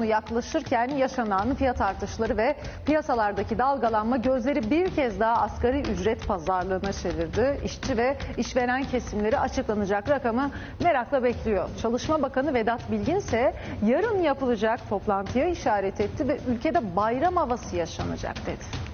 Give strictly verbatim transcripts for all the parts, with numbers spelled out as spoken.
sonu yaklaşırken yaşanan fiyat artışları ve piyasalardaki dalgalanma gözleri bir kez daha asgari ücret pazarlığına çevirdi. İşçi ve işveren kesimleri açıklanacak rakamı merakla bekliyor. Çalışma Bakanı Vedat Bilgin ise yarın yapılacak toplantıya işaret etti ve ülkede bayram havası yaşanacak dedi.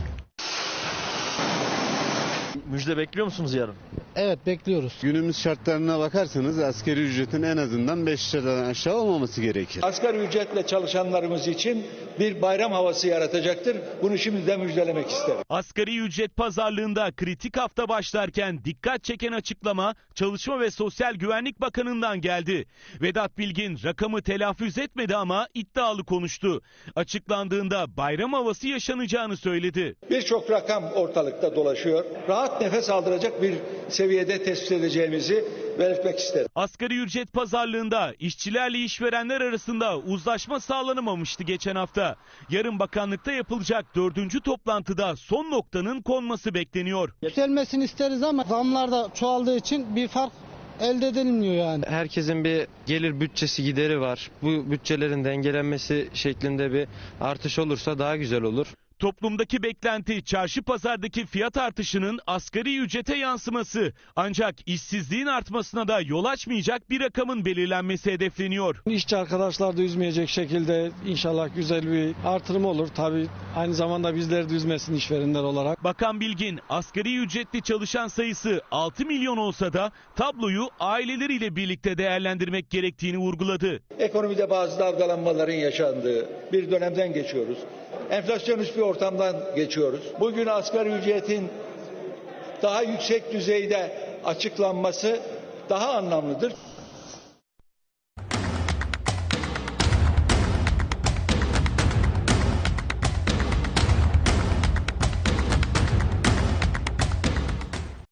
Müjde bekliyor musunuz yarın? Evet, bekliyoruz. Günümüz şartlarına bakarsanız asgari ücretin en azından beş liradan aşağı olmaması gerekir. Asgari ücretle çalışanlarımız için bir bayram havası yaratacaktır. Bunu şimdiden müjdelemek isterim. Asgari ücret pazarlığında kritik hafta başlarken dikkat çeken açıklama Çalışma ve Sosyal Güvenlik Bakanı'ndan geldi. Vedat Bilgin rakamı telaffuz etmedi ama iddialı konuştu. Açıklandığında bayram havası yaşanacağını söyledi. Birçok rakam ortalıkta dolaşıyor. Rahat nefes aldıracak bir seviyede tespit edeceğimizi belirtmek isterim. Asgari ücret pazarlığında işçilerle işverenler arasında uzlaşma sağlanamamıştı geçen hafta. Yarın bakanlıkta yapılacak dördüncü toplantıda son noktanın konması bekleniyor. Yükselmesini isteriz ama zamlar da çoğaldığı için bir fark elde edilmiyor yani. Herkesin bir gelir bütçesi gideri var. Bu bütçelerin dengelenmesi şeklinde bir artış olursa daha güzel olur. Toplumdaki beklenti çarşı pazardaki fiyat artışının asgari ücrete yansıması. Ancak işsizliğin artmasına da yol açmayacak bir rakamın belirlenmesi hedefleniyor. İşçi arkadaşlar da üzmeyecek şekilde inşallah güzel bir artırım olur. Tabii aynı zamanda bizleri de üzmesin işverenler olarak. Bakan Bilgin asgari ücretli çalışan sayısı altı milyon olsa da tabloyu aileleriyle birlikte değerlendirmek gerektiğini vurguladı. Ekonomide bazı dalgalanmaların yaşandığı bir dönemden geçiyoruz. Enflasyonist bir ortamdan geçiyoruz. Bugün asgari ücretin daha yüksek düzeyde açıklanması daha anlamlıdır.